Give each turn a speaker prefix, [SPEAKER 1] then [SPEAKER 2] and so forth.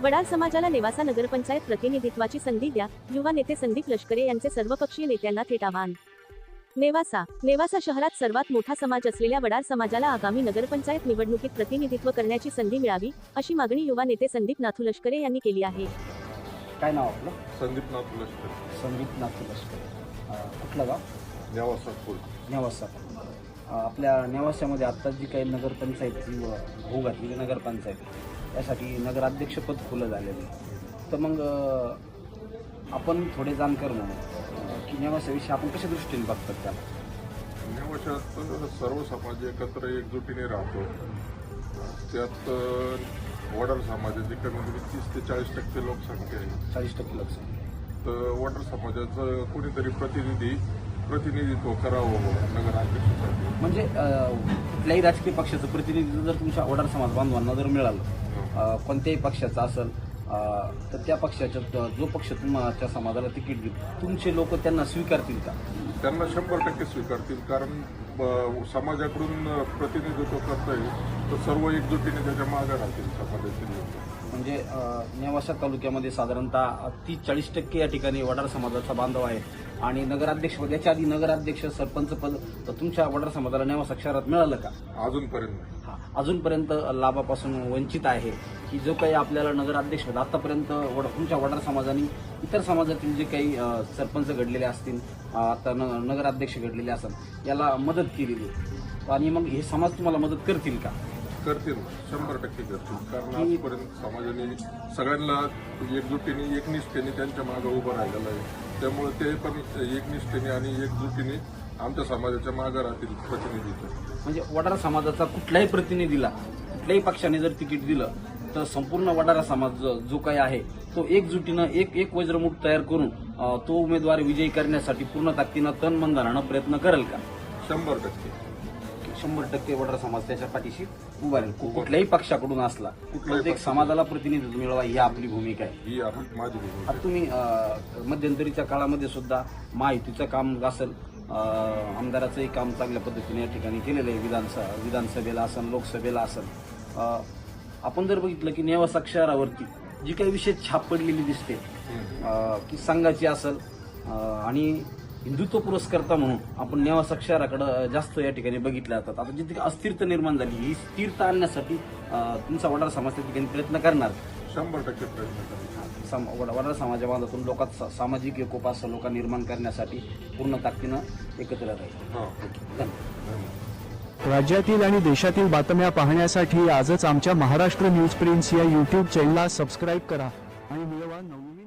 [SPEAKER 1] वडार समाजाला नेवासा नगरपंचायत प्रतिनिधित्वाची संधी द्या, युवा नेते संदीप लष्करे यांचे सर्वपक्षीय नेत्यांना थेट आवाहन. नेवासा शहरात सर्वात मोठा समाज असलेल्या वडार समाजाला आगामी नगरपंचायत निवडणुकीत प्रतिनिधित्व करण्याची संधी मिळावी, अशी मागणी युवा नेते संदीप नाथू लष्करे यांनी केली आहे.
[SPEAKER 2] काय नाव आपलं?
[SPEAKER 3] संदीप नाथू लष्करे.
[SPEAKER 2] संदीप नाथू लष्करे. कुठलं गाव?
[SPEAKER 3] नेवासा फुल.
[SPEAKER 2] नेवासा. आपल्या नेवासामध्ये आत्ता जी काही नगरपंचायतची होऊ घातलेली नगरपंचायत, यासाठी नगराध्यक्षपद खुलं झालेलं आहे. तर मग आपण थोडे जाणकार म्हणून की नेवासाविषयी आपण कशा दृष्टीने बघतात त्याला?
[SPEAKER 3] नेवाशात सर्व समाज एकत्र एकजुटीने राहतो. त्यात वडार समाजाची कमीत कमी 30 ते 40% लोकसंख्या आहे.
[SPEAKER 2] 40% लोकसंख्या.
[SPEAKER 3] तर वडार समाजाचं कोणीतरी प्रतिनिधित्व करावं नगराध्यक्षासाठी.
[SPEAKER 2] म्हणजे कुठल्याही राजकीय पक्षाचं प्रतिनिधित्व जर तुमच्या वडार समाज बांधवांना जर मिळालं, कोणत्याही पक्षाचं असेल, तर त्या पक्षाच्या जो पक्ष तुमच्या समाजाला तिकीट देईल, तुमचे लोक त्यांना स्वीकारतील का?
[SPEAKER 3] त्यांना 100% स्वीकारतील. कारण समाजाकडून प्रतिनिधित्व करता येईल तर सर्व एकजुटीने त्याच्या मागे राहतील समाजातील लोक.
[SPEAKER 2] म्हणजे नेवासा तालुक्यामध्ये साधारणतः 30-40% या ठिकाणी वडार समाजाचा बांधव आहे. आणि नगराध्यक्षपद, याच्या आधी नगराध्यक्ष सरपंच पद तर तुमच्या वडार समाजाला नेवासा शहरात मिळालं का?
[SPEAKER 3] अजूनपर्यंत नाही.
[SPEAKER 2] अजूनपर्यंत लाभापासून वंचित आहे की जो काही आपल्याला नगराध्यक्षपद आतापर्यंत तुमच्या वडार समाजाने इतर समाजातील जे काही सरपंच घडलेले असतील, आता नगराध्यक्ष घडलेले असतील, याला मदत केलेली. आणि मग हे समाज तुम्हाला मदत करतील का?
[SPEAKER 3] करतील, 100% करतील. कारण आजपर्यंत समाजाने सगळ्यांना एकजुटीने एकनिष्ठेने त्यांच्या मागे उभं राहिलेलं आहे. त्यामुळे ते पण एकनिष्ठेने आणि एकजुटीने आमच्या समाजाच्या मागे राहतील प्रतिनिधित्व.
[SPEAKER 2] म्हणजे वडार समाजाचा कुठल्याही प्रतिनिधीला कुठल्याही पक्षाने जर तिकीट दिलं तर संपूर्ण वडारा समाज जो काही आहे तो एकजुटीनं एक वज्रमुठ तयार करून तो उमेदवार विजयी करण्यासाठी पूर्ण ताकदीनं तन मन धनानं प्रयत्न करेल का?
[SPEAKER 3] 100%.
[SPEAKER 2] 100% वडार समाज त्याच्या पाठीशी उभा राहील. कुठल्याही पक्षाकडून असला, कुठल्याच एक समाजाला प्रतिनिधित्व मिळवा ही आपली भूमिका आहे.
[SPEAKER 3] ही माझी भूमिका.
[SPEAKER 2] आता तुम्ही मध्यंतरीच्या काळामध्ये सुद्धा महायुतीचं काम असेल, आमदाराचंही काम चांगल्या पद्धतीने या ठिकाणी केलेलं आहे. विधानसभेला असेल, लोकसभेला असेल. आपण जर बघितलं की नेवासा शहरावरती जी काही विशेष छाप पडलेली दिसते की संघाची असेल आणि हिंदुत्व पुरस्कर्ता म्हणून आपण नेवासा शहराकडे जास्त या ठिकाणी बघितल्या जातात. आता जिथे अस्थिरता निर्माण झाली, ही स्थिरता आणण्यासाठी तुमचा वडार समाज त्या ठिकाणी प्रयत्न करणार.
[SPEAKER 3] 100% प्रयत्न करणार.
[SPEAKER 2] वडार समाजाबांधातून लोकात सामाजिक एकोपा असं लोक निर्माण करण्यासाठी पूर्ण ताकदीनं एकत्र राहील.
[SPEAKER 4] राज्यातील आणि देशातील बातम्या पाहण्यासाठी आजच आमच्या महाराष्ट्र न्यूज प्रिंट्स या YouTube चॅनलला सबस्क्राईब करा आणि मिळवा नवनवीन